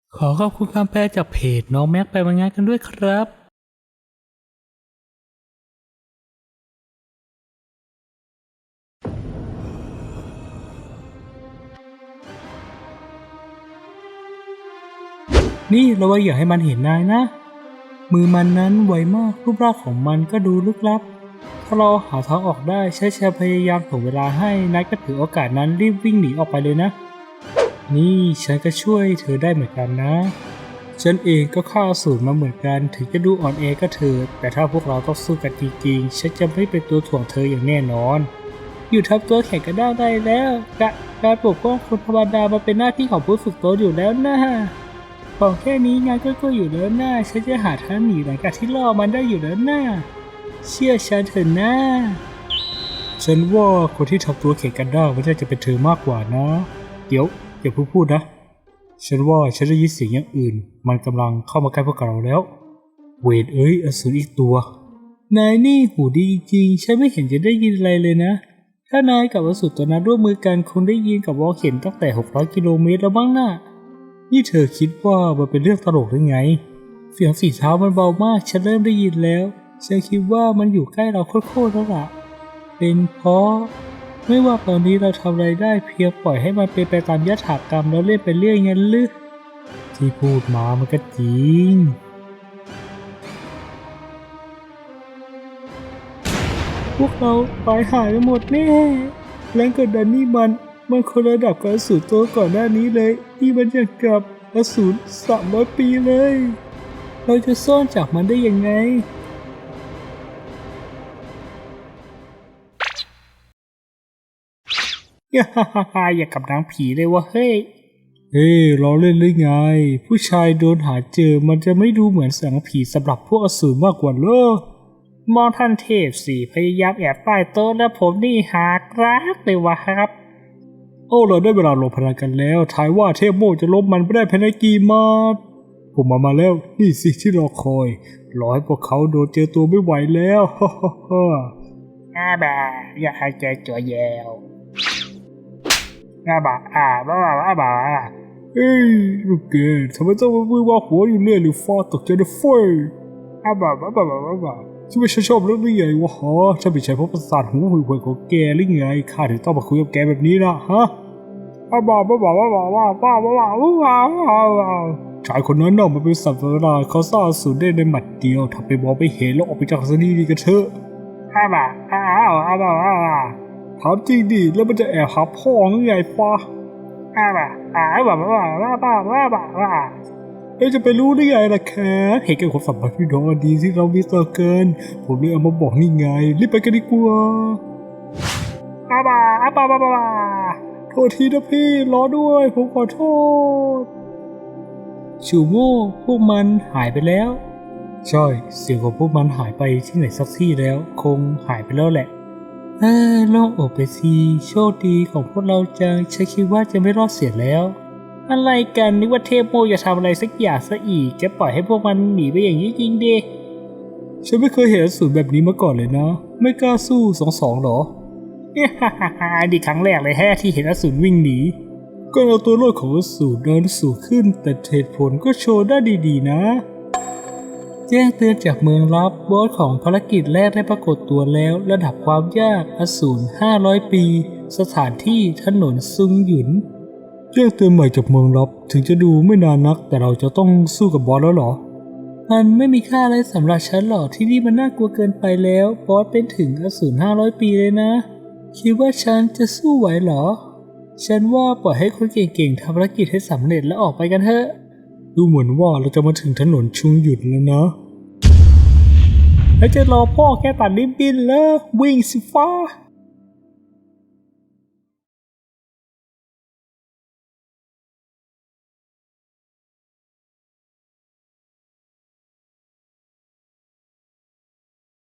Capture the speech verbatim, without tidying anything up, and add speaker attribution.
Speaker 1: ขอขอบคุณคำแปลจากเพจน้องแม็กไปวันงานกันด้วยครับนี่ระวังอย่าให้มันเห็นนายนะมือมันนั้นไวมากรูปร่างของมันก็ดูลึกลับถ้าเราหาทางออกได้ใช้แชร์พยายามถ่วงเวลาให้นายก็ถือโอกาสนั้นรีบวิ่งหนีออกไปเลยนะนี่ฉันก็ช่วยเธอได้เหมือนกันนะฉันเองก็ฆ่าอสูรมาเหมือนกันถึงจะดูอ่อนแอก็เถิดแต่ถ้าพวกเราต้องสู้กันจริงๆฉันจะไม่เป็นตัวถ่วงเธออย่างแน่นอนอยู่ทับตัวแข่งกันได้ได้แล้วกะการปกป้องคนธรรมดามาเป็นหน้าที่ของผู้ฝึกโตอยู่แล้วนะของแค่นี้งานก็ก็อยู่แล้วนะฉันจะหาทางหนีหลังจากที่ล่อมันได้อยู่แล้วนะเชื่อฉันเถอะนะฉันว่าคนที่ทำตัวแข่งกันได้ไม่ใช่จะเป็นเธอมากกว่านะเดี๋ยวอย่าพูดพูดนะฉันว่าฉันได้ยินเสียงอย่างอื่นมันกำลังเข้ามาใกล้พวกเราแล้วเวทเอ้ยอสูรอีกตัวนายนี่หูดีจริงๆฉันไม่เห็นจะได้ยินอะไรเลยนะถ้านายกับอสูรตัวนั้นร่วมมือกันคงได้ยินกับวอลเข็นตั้งแต่หกร้อยกิโลเมตรแล้วบ้างนะนี่เธอคิดว่ามันเป็นเรื่องตลกหรือไงเสียงฝีเท้ามันเบามากฉันเริ่มได้ยินแล้วฉันคิดว่ามันอยู่ใกล้เราโคตรๆแล้วล่ะเป็นเพราะไม่ว่าตอนนี้เราทำอะไรได้เพียงปล่อยให้มันเป็นไปตามยถากรรมแล้วเล่นไปเรื่อยงั้นหรือที่พูดมามันก็จริงพวกเราตายหายไปหมดแน่แรงกดดันนี่มันมันคนระดับกับอสูรตัวก่อนหน้านี้เลยที่มันยังกับอสูรสามร้อยปีเลยเราจะซ่อนจากมันได้ยังไงฮ่าฮ่าฮ่าอย่ากับนางผีเลยวะเฮ้ยเฮ้ยล้อเล่นหรือไงผู้ชายโดนหาเจอมันจะไม่ดูเหมือนสังผีสำหรับพวกอสูรมากกว่าเหรอมองท่านเทพสิพยายามแอบใต้โต๊ะแล้วผมนี่หากรักเลยวะครับโอ้เราได้เวลาลงพลังกันแล้วทายว่าเทพโมจะลบมันไปได้ภายในกี่มาดผมมามาแล้วนี่สิที่รอคอยรอให้พวกเขาโดนเจอตัวไม่ไหวแล้วฮ่าฮ่าฮ่าอาบ่าอย่าหายใจจ่อแยวอาบ่าอ่าบ้าบ้าบ้าบ้าเฮ้ยลูกเกดทำไมต้องมามือว่าหัวอยู่เรื่อยหรือฟ้าตกใจนะเฟ้ยอาบ่าบ้าบ้าบ้าบ้าฉันไม่ชอบเรื่องนี้ไงวะฮะฉันไม่ใช่เพราะประสาทหูห่วยๆของแกหรือไงข้าถึงต้องมาคุยกับแกแบบนี้นะฮะอาบ่าบ้าบ้าบ้าบ้าบ้าบ้าบ้าบ้าบ้าบ้าชายคนนั้นน่ะมันเป็นสัตว์ประหลาดเขาสร้างสูญได้ในหมัดเดียวทำไปมองไม่เห็นแล้วออกไปจากสถานีกันเถอะอาบ่าอ้าวอาบ่าอ้าวถามจริงดิแล้วมันจะแอบหาพ่อหรือไงฟ้าอาบ่าอ้าวบ้าบ้าบ้าบ้าบ้าบ้าบ้าเอ๊ะจะไปรู้ได้ไงล่ะแค่เห็นแก่ความสัมพันธ์พี่น้องอันดีที่เรามีต่อกันผมเลยเอามาบอกนี่ไงรีบไปกันดีกว่าอาบ่าอาบ่าบ้าบ้าโทษทีนะพี่รอด้วยผมขอโทษชูโม่พวกมันหายไปแล้วใช่เสียงของพวกมันหายไปที่ไหนสักที่แล้วคงหายไปแล้วแหละเออโล่งอกไปสิโชคดีของพวกเราจังฉันคิดว่าจะไม่รอดเสียแล้วอะไรกันนึกว่าเทพโมจะทำอะไรสักอย่างซะอีกจะปล่อยให้พวกมันหนีไปอย่างนี้จริงดิฉันไม่เคยเห็นอสูรแบบนี้มาก่อนเลยนะไม่กล้าสู้สองสองหรอเนี่ยฮ่าฮ่าฮ่าดีครั้งแรกเลยแฮะที่เห็นอสูรวิ่งหนีก็เอาตัวรอดของอสูรเดินสูงขึ้นแต่เหตุผลก็โชว์ได้ดีๆนะแจ้งเตือนจากเมืองลับบอสของภารกิจแรกได้ปรากฏตัวแล้วระดับความยากอสูรห้าร้อยปีสถานที่ถนนซุงหยุนแจ้งเตือนใหม่จากเมืองลับถึงจะดูไม่นานนักแต่เราจะต้องสู้กับบอสแล้วเหรอมันไม่มีค่าอะไรสำหรับฉันหรอกที่นี่มันน่ากลัวเกินไปแล้วบอสเป็นถึงอสูรห้าร้อยปีเลยนะคิดว่าฉันจะสู้ไหวเหรอฉันว่าปล่อยให้คนเก่งๆทำภารกิจให้สำเร็จแล้วออกไปกันเถอะดูเหมือนว่าเราจะมาถึงถนนชุงหยุดแล้วนะแล้วจะรอพ่อแค่ตัดริบบิ้นแล้ววิ่งสิฟ้า